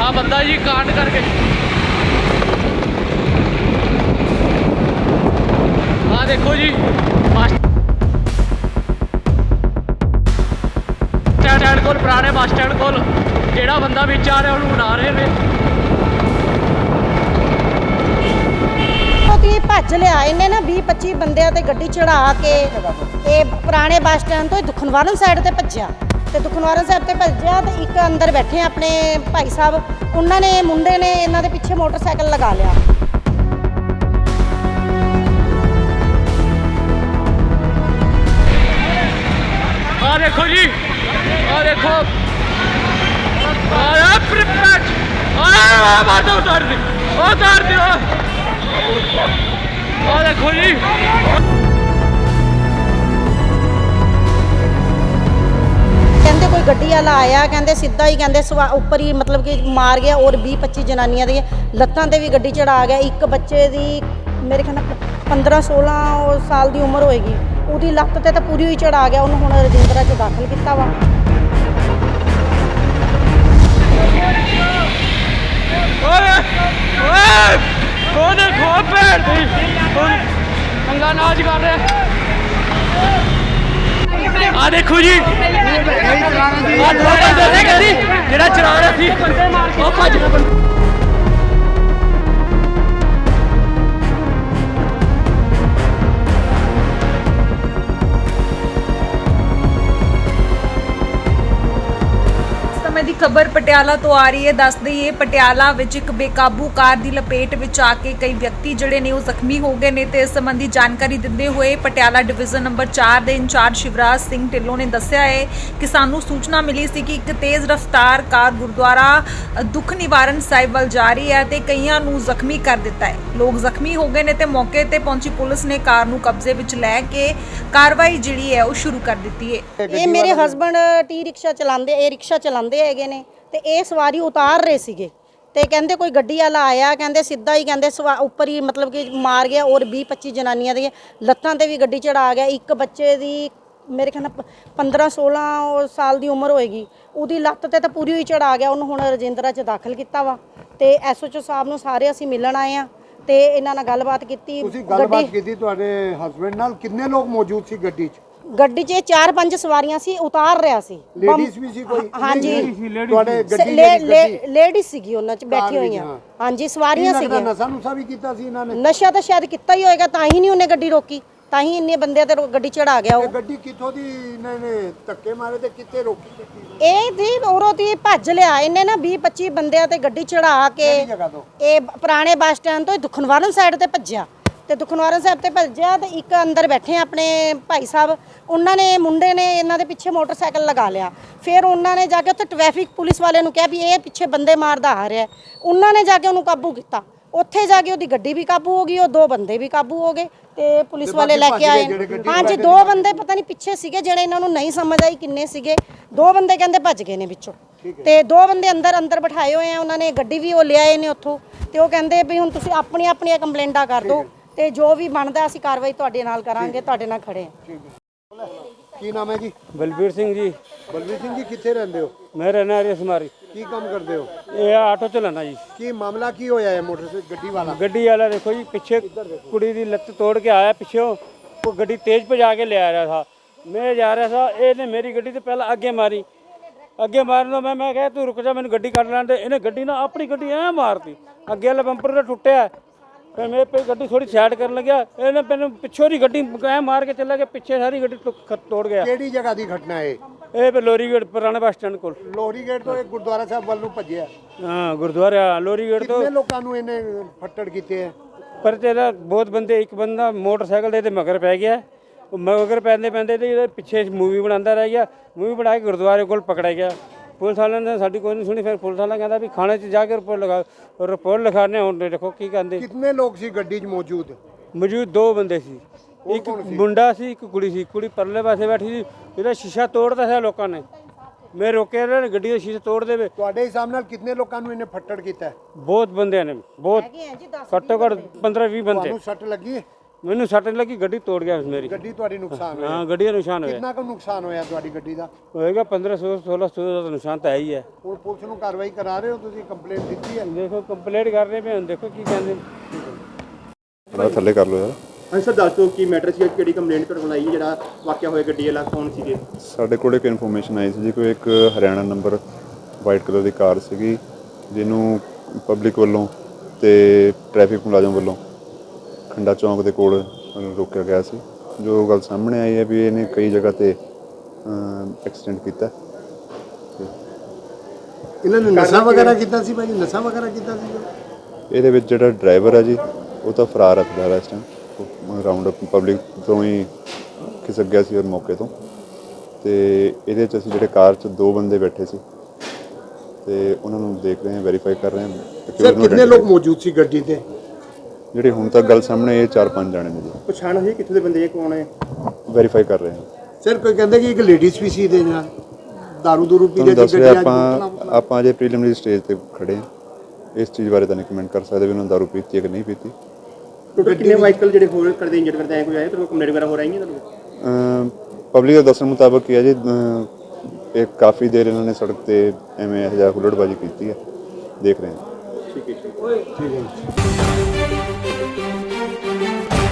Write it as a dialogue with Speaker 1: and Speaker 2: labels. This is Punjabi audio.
Speaker 1: ਆ ਬੰਦਾ ਜੀ ਕਾਂਡ ਕਰਕੇ ਆ ਦੇਖੋ ਜੀ ਬੱਸ ਸਟੈਂਡ ਕੋਲ ਪੁਰਾਣੇ ਬੱਸ ਸਟੈਂਡ ਕੋਲ ਜਿਹੜਾ ਬੰਦਾ ਵਿੱਚ ਆ ਰਿਹਾ ਉਹਨੂੰ ਉਡਾ ਰਹੇ ਨੇ।
Speaker 2: ਕਿ ਭੱਜ ਲਿਆ ਇਹਨੇ ਨਾ 20-25 ਬੰਦਿਆਂ ਤੇ ਗੱਡੀ ਚੜਾ ਕੇ ਇਹ ਪੁਰਾਣੇ ਬੱਸ ਸਟੈਂਡ ਤੋਂ ਦੁਖਨਿਵਾਰਨ ਸਾਈਡ ਤੇ ਭੱਜਿਆ ਤੇ ਦੁਖਨਿਵਾਰਨ ਸਾਹਿਬ ਤੇ ਭੱਜਿਆ ਤੇ ਇੱਕ ਅੰਦਰ ਬੈਠੇ ਆਪਣੇ ਭਾਈ ਸਾਹਿਬ ਉਹਨਾਂ ਨੇ ਮੁੰਡੇ ਨੇ ਇਹਨਾਂ ਦੇ ਪਿੱਛੇ ਮੋਟਰਸਾਈਕਲ ਲਗਾ ਲਿਆ।
Speaker 1: ਆ ਦੇਖੋ ਜੀ ਆ ਦੇਖੋ ਆ ਪ੍ਰਿਪੇਟ ਆ ਮਾਰ ਦੋ ਉਤਾਰ ਦੇ ਆ ਦੇਖੋ ਜੀ
Speaker 2: ਕਹਿੰਦੇ ਕੋਈ ਗੱਡੀ ਵਾਲਾ ਆਇਆ ਕਹਿੰਦੇ ਸਿੱਧਾ ਹੀ ਕਹਿੰਦੇ ਉੱਪਰ ਹੀ ਮਤਲਬ ਕਿ ਮਾਰ ਗਿਆ ਔਰ 20-25 ਜਨਾਨੀਆਂ ਦੀਆਂ ਲੱਤਾਂ ਤੇ ਵੀ ਗੱਡੀ ਚੜਾ ਗਿਆ। ਇੱਕ ਬੱਚੇ ਦੀ ਮੇਰੇ ਖਿਆਲ ਨਾਲ 15-16 ਸਾਲ ਦੀ ਉਮਰ ਹੋਏਗੀ ਉਹਦੀ ਲੱਤ ਤੇ ਤਾਂ ਪੂਰੀ ਹੀ ਚੜਾ ਗਿਆ। ਉਹਨੂੰ ਹੁਣ ਰਜਿੰਦਰਾ 'ਚ ਦਾਖਲ ਕੀਤਾ ਵਾ।
Speaker 1: ਉਹ ਦੇਖੋ ਭੈਣ ਦੀ ਪੰਗਾ ਨਾਚ ਕਰ ਰਿਹਾ। ਆ ਦੇਖੋ ਜੀ ਆ ਦੋ ਬੰਦੇ ਸੀ ਜਿਹੜਾ ਚਲਾ ਰਿਹਾ ਸੀ ਉਹ ਭੱਜ ਗਿਆ।
Speaker 3: ਦੀ ਖਬਰ ਪਟਿਆਲਾ ਤੋਂ ਆ ਰਹੀ ਹੈ। ਦੱਸ ਦਈਏ ਪਟਿਆਲਾ ਵਿੱਚ ਇੱਕ ਬੇਕਾਬੂ ਕਾਰ ਦੀ ਲਪੇਟ ਵਿੱਚ ਆ ਕੇ ਕਈ ਵਿਅਕਤੀ ਜਿਹੜੇ ਨੇ ਉਹ ਜ਼ਖਮੀ ਹੋ ਗਏ ਨੇ ਤੇ ਇਸ ਸੰਬੰਧੀ ਜਾਣਕਾਰੀ ਦਿੰਦੇ ਹੋਏ ਪਟਿਆਲਾ ਡਿਵੀਜ਼ਨ ਨੰਬਰ 4 ਦੇ ਇੰਚਾਰਜ ਸ਼ਿਵਰਾਜ ਸਿੰਘ ਢਿੱਲੋਂ ਨੇ ਦੱਸਿਆ ਹੈ ਕਿ ਸਾਨੂੰ ਸੂਚਨਾ ਮਿਲੀ ਸੀ ਕਿ ਇੱਕ ਤੇਜ਼ ਰਫ਼ਤਾਰ ਕਾਰ ਗੁਰਦੁਆਰਾ ਦੁੱਖ ਨਿਵਾਰਨ ਸਾਹਿਬ ਵੱਲ ਜਾ ਰਹੀ ਹੈ ਤੇ ਕਈਆਂ ਨੂੰ ਜ਼ਖਮੀ ਕਰ ਦਿੱਤਾ ਹੈ। ਲੋਕ ਜ਼ਖਮੀ ਹੋ ਗਏ ਨੇ ਤੇ ਮੌਕੇ ਤੇ ਪਹੁੰਚੀ ਪੁਲਿਸ ਨੇ ਕਾਰ ਨੂੰ ਕਬਜ਼ੇ ਵਿੱਚ ਲੈ ਕੇ ਕਾਰਵਾਈ ਜਿਹੜੀ ਹੈ ਉਹ ਸ਼ੁਰੂ ਕਰ ਦਿੱਤੀ ਹੈ।
Speaker 2: ਇਹ ਮੇਰੇ ਹਸਬੰਡ ਟੀ ਰਿਕਸ਼ਾ ਚਲਾਉਂਦੇ ਇਹ ਰਿਕਸ਼ਾ ਚਲਾਉਂਦੇ ਹੈਗੇ ਨੇ ਤੇ ਇਹ ਸਵਾਰੀ ਉਤਾਰ ਰਹੇ ਸੀਗੇ ਤੇ ਕਹਿੰਦੇ ਕੋਈ ਗੱਡੀ ਵਾਲਾ ਆਇਆ ਕਹਿੰਦੇ ਸਿੱਧਾ ਹੀ ਕਹਿੰਦੇ ਉੱਪਰ ਹੀ ਮਤਲਬ ਕਿ ਮਾਰ ਗਿਆ ਔਰ 20-25 ਜਨਾਨੀਆਂ ਦੀਆਂ ਲੱਤਾਂ ਤੇ ਵੀ ਗੱਡੀ ਚੜਾ ਗਿਆ। ਇੱਕ ਬੱਚੇ ਦੀ ਮੇਰੇ ਖਿਆਲ ਨਾਲ 15-16 ਸਾਲ ਦੀ ਉਮਰ ਹੋਏਗੀ ਉਹਦੀ ਲੱਤ ਤੇ ਤਾਂ ਪੂਰੀ ਹੀ ਚੜਾ ਗਿਆ। ਉਹਨੂੰ ਹੁਣ ਰਜਿੰਦਰਾ 'ਚ ਦਾਖਲ ਕੀਤਾ ਵਾ ਤੇ ਐਸਓਚਓ ਸਾਹਿਬ ਨੂੰ ਸਾਰੇ ਅਸੀਂ ਮਿਲਣ ਆਏ ਆ ਤੇ ਇਹਨਾਂ ਨਾਲ ਗੱਲਬਾਤ ਕੀਤੀ।
Speaker 4: ਤੁਸੀਂ ਗੱਲਬਾਤ ਕੀਤੀ ਤੁਹਾਡੇ ਹਸਬੰਡ ਨਾਲ? ਕਿੰਨੇ ਲੋਕ ਮੌਜੂਦ ਸੀ ਗੱਡੀ 'ਚ?
Speaker 2: ਗੱਡੀ 'ਚ 4-5 ਸਵਾਰੀਆਂ ਸੀ ਉਤਾਰ ਰਿਹਾ ਸੀ।
Speaker 4: ਲੇਡੀਜ਼ ਵੀ ਸੀ ਕੋਈ?
Speaker 2: ਹਾਂਜੀ
Speaker 4: ਤੁਹਾਡੇ ਗੱਡੀ
Speaker 2: ਲੇਡੀਜ਼ ਸੀਗੀ ਉਹਨਾਂ 'ਚ ਬੈਠੀ ਹੋਈਆਂ। ਹਾਂਜੀ ਸਵਾਰੀਆਂ ਸੀਗੀਆਂ।
Speaker 4: ਨਸ਼ਾ ਨੁਸ਼ਾ ਵੀ ਕੀਤਾ ਸੀ ਇਹਨਾਂ ਨੇ?
Speaker 2: ਨਸ਼ਾ ਤਾਂ ਸ਼ਾਇਦ ਕੀਤਾ ਹੀ ਹੋਏਗਾ ਤਾਂ ਹੀ ਨਹੀਂ ਉਹਨੇ ਗੱਡੀ ਰੋਕੀ ਤਾਂ ਹੀ ਇੰਨੇ ਬੰਦਿਆਂ ਤੇ ਗੱਡੀ ਚੜਾ ਗਿਆ। ਉਹ
Speaker 4: ਗੱਡੀ ਕਿੱਥੋਂ ਦੀ ਇਹਨਾਂ ਨੇ ਧੱਕੇ ਮਾਰੇ ਤੇ ਕਿੱਥੇ ਰੋਕੀ ਗੱਡੀ?
Speaker 2: ਇਹ ਦੀ ਔਰੋਂ ਦੀ ਭੱਜ ਲਿਆ ਇਹਨੇ ਨਾ 20-25 ਬੰਦਿਆਂ ਤੇ ਗੱਡੀ ਚੜਾ ਕੇ ਇਹ ਪੁਰਾਣੇ ਬੱਸ ਸਟੈਂਡ ਤੋਂ ਦੁਖਨਿਵਾਰਨ ਸਾਈਡ ਤੇ ਭੱਜਿਆ ਤੇ ਦੁਖਨਿਵਾਰਨ ਸਾਹਿਬ ਤੇ ਭੱਜਿਆ ਤੇ ਇੱਕ ਅੰਦਰ ਬੈਠੇ ਆਪਣੇ ਭਾਈ ਸਾਹਿਬ ਉਹਨਾਂ ਨੇ ਮੁੰਡੇ ਨੇ ਇਹਨਾਂ ਦੇ ਪਿੱਛੇ ਮੋਟਰਸਾਈਕਲ ਲਗਾ ਲਿਆ। ਫਿਰ ਉਹਨਾਂ ਨੇ ਜਾ ਕੇ ਉੱਥੇ ਟ੍ਰੈਫਿਕ ਪੁਲਿਸ ਵਾਲਿਆਂ ਨੂੰ ਕਿਹਾ ਵੀ ਇਹ ਪਿੱਛੇ ਬੰਦੇ ਮਾਰਦਾ ਆ ਰਿਹਾ। ਉਹਨਾਂ ਨੇ ਜਾ ਕੇ ਉਹਨੂੰ ਕਾਬੂ ਕੀਤਾ। ਉੱਥੇ ਜਾ ਕੇ ਉਹਦੀ ਗੱਡੀ ਵੀ ਕਾਬੂ ਹੋ ਗਈ ਉਹ ਦੋ ਬੰਦੇ ਵੀ ਕਾਬੂ ਹੋ ਗਏ ਤੇ ਪੁਲਿਸ ਵਾਲੇ ਲੈ ਕੇ ਆਏ। ਹਾਂਜੀ ਦੋ ਬੰਦੇ ਪਤਾ ਨਹੀਂ ਪਿੱਛੇ ਸੀਗੇ ਜਿਹੜੇ ਇਹਨਾਂ ਨੂੰ ਨਹੀਂ ਸਮਝ ਆਈ ਕਿੰਨੇ ਸੀਗੇ। ਦੋ ਬੰਦੇ ਕਹਿੰਦੇ ਭੱਜ ਗਏ ਨੇ ਵਿੱਚੋਂ ਤੇ ਦੋ ਬੰਦੇ ਅੰਦਰ ਬਿਠਾਏ ਹੋਏ ਆ। ਉਹਨਾਂ ਨੇ ਗੱਡੀ ਵੀ ਉਹ ਲਿਆਏ ਨੇ ਉੱਥੋਂ ਤੇ ਉਹ ਕਹਿੰਦੇ ਵੀ ਹੁਣ ਤੁਸੀਂ ਆਪਣੀਆਂ ਕੰਪਲੇਂਟਾਂ ਕਰ ਦਿਓ ਤੇ ਜੋ ਵੀ ਬਣਦਾ ਅਸੀਂ ਕਾਰਵਾਈ ਤੁਹਾਡੇ ਨਾਲ ਕਰਾਂਗੇ। ਤੁਹਾਡੇ ਨਾਲ ਖੜੇ ਹਾਂ।
Speaker 4: ਕੀ ਨਾਮ ਹੈ ਜੀ?
Speaker 5: ਬਲਬੀਰ ਸਿੰਘ ਜੀ।
Speaker 4: ਬਲਬੀਰ ਸਿੰਘ ਜੀ ਕਿੱਥੇ ਰਹਿੰਦੇ ਹੋ?
Speaker 5: ਮੈਂ ਰਹਿਣਾ ਰਸਮਾਰੀ।
Speaker 4: ਕੀ ਕੰਮ ਕਰਦੇ ਹੋ?
Speaker 5: ਇਹ ਆਟੋ ਚਲਾਣਾ ਜੀ।
Speaker 4: ਕੀ ਮਾਮਲਾ ਕੀ ਹੋਇਆ ਹੈ? ਮੋਟਰਸਾਈਕਲ
Speaker 5: ਗੱਡੀ ਵਾਲਾ ਦੇਖੋ ਜੀ ਪਿੱਛੇ ਕੁੜੀ ਦੀ ਲੱਤ ਤੋੜ ਕੇ ਆਇਆ ਪਿੱਛੋਂ। ਉਹ ਗੱਡੀ ਤੇਜ਼ ਭਜਾ ਕੇ ਲੈ ਆ ਰਿਹਾ ਸੀ। ਮੈਂ ਜਾ ਰਿਹਾ ਸੀ ਇਹਨੇ ਮੇਰੀ ਗੱਡੀ ਤੇ ਪਹਿਲਾਂ ਅੱਗੇ ਮਾਰੀ। ਅੱਗੇ ਮਾਰਨ ਤੋਂ ਮੈਂ ਕਿਹਾ ਤੂੰ ਰੁਕ ਜਾ ਮੈਨੂੰ ਗੱਡੀ ਕੱਢ ਲੈਣ ਦੇ। ਇਹਨੇ ਗੱਡੀ ਨਾ ਆਪਣੀ ਗੱਡੀ ਐ ਮਾਰਤੀ। ਅੱਗੇ ਵਾਲਾ ਬੰਪਰ ਤਾਂ ਟੁੱਟਿਆ। ਫਿਰ ਮੈਂ ਗੱਡੀ ਥੋੜੀ ਸਾਈਡ ਕਰਨ ਲੱਗਿਆ ਇਹਨੇ ਮੈਨੂੰ ਪਿੱਛੋਂ ਦੀ ਗੱਡੀ ਐ ਮਾਰ ਕੇ ਚੱਲਿਆ ਗਿਆ। ਪਿੱਛੇ ਸਾਰੀ ਗੱਡੀ ਤੋੜ ਗਿਆ।
Speaker 4: ਕਿਹੜੀ ਜਗ੍ਹਾ ਦੀ ਘਟਨਾ ਹੈ
Speaker 5: ਇਹ ਲੋਰੀ ਗੇਟ ਪੁਰਾਣੇ ਬੱਸ ਸਟੈਂਡ ਕੋਲ।
Speaker 4: ਲੋਰੀ ਗੇਟ ਤੋਂ ਇਹ ਗੁਰਦੁਆਰਾ ਸਾਹਿਬ ਵੱਲ ਨੂੰ ਭੱਜਿਆ?
Speaker 5: ਹਾਂ ਗੁਰਦੁਆਰਾ ਲੋਰੀ ਗੇਟ ਤੋਂ।
Speaker 4: ਕਿੰਨੇ ਲੋਕਾਂ ਨੂੰ ਇਹਨੇ ਫੱਟੜ ਕੀਤੇ ਹੈ?
Speaker 5: ਪਰ ਤੇਰਾ ਬਹੁਤ ਬੰਦੇ। ਇੱਕ ਬੰਦਾ ਮੋਟਰਸਾਈਕਲ ਦੇ ਮਗਰ ਪੈ ਗਿਆ। ਉਹ ਮਗਰ ਪੈਂਦੇ ਤੇ ਇਹਦੇ ਪਿੱਛੇ ਮੂਵੀ ਬਣਾਉਂਦਾ ਰਹਿ ਗਿਆ। ਮੂਵੀ ਬਣਾ ਕੇ ਗੁਰਦੁਆਰੇ ਕੋਲ ਪਕੜਿਆ ਗਿਆ। ਪੁਲਿਸ ਵਾਲਿਆਂ ਨੇ ਸਾਡੀ ਕੋਈ ਨਹੀਂ ਸੁਣੀ। ਫਿਰ ਪੁਲਿਸ ਵਾਲਾ ਕਹਿੰਦਾ ਵੀ ਥਾਣੇ 'ਚ ਜਾ ਕੇ ਰਿਪੋਰਟ ਲਿਖਾਣੇ। ਹੁਣ ਦੇਖੋ ਕੀ ਕਹਿੰਦੇ।
Speaker 4: ਕਿੰਨੇ ਲੋਕ ਸੀ ਗੱਡੀ 'ਚ ਮੌਜੂਦ?
Speaker 5: ਦੋ ਬੰਦੇ ਸੀ। ਇੱਕ ਮੁੰਡਾ ਸੀ ਇੱਕ ਕੁੜੀ ਸੀ। ਕੁੜੀ ਪਰਲੇ ਪਾਸੇ ਬੈਠੀ ਸੀ। ਇਹਦਾ ਸ਼ੀਸ਼ਾ ਤੋੜਦਾ ਸੀ ਲੋਕਾਂ ਨੇ। ਮੈਂ ਰੋਕਿਆ ਨਾ ਗੱਡੀ ਦਾ ਸ਼ੀਸ਼ਾ ਤੋੜ ਦੇਵੇ।
Speaker 4: ਤੁਹਾਡੇ ਹਿਸਾਬ ਨਾਲ ਕਿੰਨੇ ਲੋਕਾਂ ਨੂੰ ਇਹਨੇ ਫੱਟੜ ਕੀਤਾ?
Speaker 5: ਬਹੁਤ ਬੰਦਿਆਂ ਨੇ। ਬਹੁਤ ਘੱਟੋ ਘੱਟ 15-20 ਬੰਦੇ।
Speaker 4: ਤੁਹਾਨੂੰ ਸੱਟ ਲੱਗੀ ਹੈ?
Speaker 5: ਮੈਨੂੰ ਸੱਟ ਨਹੀਂ ਲੱਗੀ, ਗੱਡੀ ਤੋੜ ਗਿਆ ਮੇਰੀ।
Speaker 4: ਗੱਡੀ ਤੁਹਾਡੀ ਨੁਕਸਾਨ ਹੋਇਆ?
Speaker 5: ਹਾਂ, ਗੱਡੀ ਦਾ ਨਿਸ਼ਾਨ ਹੋਇਆ।
Speaker 4: ਕਿੰਨਾ ਕੁ ਨੁਕਸਾਨ ਹੋਇਆ ਤੁਹਾਡੀ ਗੱਡੀ ਦਾ?
Speaker 5: ਹੋਏਗਾ 1500-1600 ਦਾ ਨਿਸ਼ਾਨ ਤਾਂ ਹੈ ਹੀ ਹੈ।
Speaker 4: ਹੁਣ ਪੁਲਿਸ ਨੂੰ ਕਾਰਵਾਈ ਕਰਾ ਰਹੇ ਹੋ ਤੁਸੀਂ? ਕੰਪਲੇਂਟ ਦਿੱਤੀ ਹੈ?
Speaker 5: ਦੇਖੋ ਕੰਪਲੇਂਟ ਕਰ ਰਹੇ ਪਏ, ਹੁਣ ਦੇਖੋ ਕੀ ਕਹਿੰਦੇ।
Speaker 6: ਥੋੜਾ ਥੱਲੇ ਕਰ ਲਓ ਯਾਰ।
Speaker 7: ਹਾਂਜੀ ਸਰ, ਦੱਸ ਦਿਓ ਕੀ ਮੈਟਰ ਸੀ, ਕਿਹੜੀ ਕੰਪਲੇਂਟ ਤੁਹਾਡੇ ਕੋਲ ਆਈ ਹੈ, ਜਿਹੜਾ ਵਾਕਿਆ ਹੋਇਆ ਗੱਡੀ ਵਾਲਾ ਕੌਣ ਸੀਗੇ?
Speaker 6: ਸਾਡੇ ਕੋਲ ਇੱਕ ਇਨਫੋਰਮੇਸ਼ਨ ਆਈ ਸੀ ਜੀ, ਕੋਈ ਇੱਕ ਹਰਿਆਣਾ ਨੰਬਰ ਵਾਈਟ ਕਲਰ ਦੀ ਕਾਰ ਸੀਗੀ, ਜਿਹਨੂੰ ਪਬਲਿਕ ਵੱਲੋਂ ਤੇ ਟ੍ਰੈਫਿਕ ਮੁਲਾਜ਼ਮ ਵੱਲੋਂ ਖੰਡਾ ਚੌਂਕ ਦੇ ਕੋਲ ਰੋਕਿਆ ਗਿਆ ਸੀ। ਜੋ ਗੱਲ ਸਾਹਮਣੇ ਆਈ ਹੈ ਵੀ ਇਹਨੇ ਕਈ ਜਗ੍ਹਾ ਤੇ ਐਕਸੀਡੈਂਟ ਕੀਤਾ।
Speaker 4: ਇਹਨਾਂ ਨੇ ਨਸ਼ਾ ਵਗੈਰਾ ਕੀਤਾ ਸੀ ਭਾਈ? ਨਸ਼ਾ ਵਗੈਰਾ ਕੀਤਾ ਸੀ?
Speaker 6: ਇਹਦੇ ਵਿੱਚ ਜਿਹੜਾ ਡਰਾਈਵਰ ਹੈ ਜੀ, ਉਹ ਤਾਂ ਫਰਾਰ ਹੈ ਫਿਲਹਾਲ ਇਸ ਟਾਈਮ। ਰਾਉਂਡ ਅਪ ਪਬਲਿਕ ਤੋਂ ਹੀ ਖਿਸਕ ਗਿਆ ਸੀ ਔਰ ਮੌਕੇ ਤੋਂ। ਤੇ ਇਹਦੇ 'ਚ ਅਸੀਂ ਜਿਹੜੇ ਕਾਰ 'ਚ 2 ਬੰਦੇ ਬੈਠੇ ਸੀ ਤੇ ਉਹਨਾਂ ਨੂੰ ਦੇਖ ਰਹੇ ਹਾਂ, ਵੈਰੀਫਾਈ ਕਰ ਰਹੇ ਹਾਂ।
Speaker 4: ਸਰ ਕਿੰਨੇ ਲੋਕ ਮੌਜੂਦ ਸੀ ਗੱਡੀ ਤੇ?
Speaker 6: ਜਿਹੜੇ ਹੁਣ ਤੱਕ ਗੱਲ ਸਾਹਮਣੇ ਇਹ 4-5 ਜਾਣੇ ਨੇ ਜੀ।
Speaker 7: ਪਛਾਣ ਹੋਈ ਕਿੱਥੋਂ ਦੇ ਬੰਦੇ ਇਹ ਕੌਣ ਹੈ?
Speaker 6: ਵੈਰੀਫਾਈ ਕਰ ਰਹੇ ਹਾਂ।
Speaker 4: ਸਰ ਕੋਈ ਕਹਿੰਦੇ ਕਿ ਇੱਕ ਲੇਡੀਜ਼ ਵੀ ਸੀ ਦੇ ਨਾਲ ਦਾਰੂ ਦੂਰੂ ਪੀ
Speaker 6: ਤੁਹਾਨੂੰ
Speaker 4: ਰਹੇ
Speaker 6: ਦੱਸ ਰਿਹਾ ਆਪਾਂ ਅਜੇ ਪ੍ਰੀਲਿਮਿਨਰੀ ਸਟੇਜ ਤੇ ਖੜੇ ਹਾਂ। ਇਸ ਚੀਜ਼ ਬਾਰੇ ਤਾਂ ਨਹੀਂ ਕਮੈਂਟ ਕਰ ਸਕਦੇ ਵੀ ਉਹਨਾਂ ਦਾਰੂ ਪੀਤੀ ਹੈ ਕਿ ਨਹੀਂ ਪੀਤੀ।
Speaker 7: ਟੋਟਲ ਕਿੰਨੇ ਵਾਹੀਕਲ ਜਿਹੜੇ ਹੋਰ ਕਰਦੇ ਇੰਜਰ ਕਰਦੇ ਆਏ ਕੋਈ ਆਏ ਤੇ ਕੰਪਲੇਂਟ ਵਗੈਰਾ ਹੋ ਰਹੀ ਹੈ ਤੁਹਾਨੂੰ?
Speaker 6: ਪਬਲਿਕ ਦੇ ਦੱਸਣ ਮੁਤਾਬਕ ਕੀ ਹੈ ਜੀ, ਇਹ ਕਾਫੀ ਦੇਰ ਇਹਨਾਂ ਨੇ ਸੜਕ ਤੇ ਐਵੇਂ ਇਹੋ ਜਿਹਾ ਹੁੱਲੜਬਾਜ਼ੀ ਕੀਤੀ ਹੈ। ਦੇਖ ਰਹੇ ਹਾਂ।
Speaker 7: ਠੀਕ ਹੈ।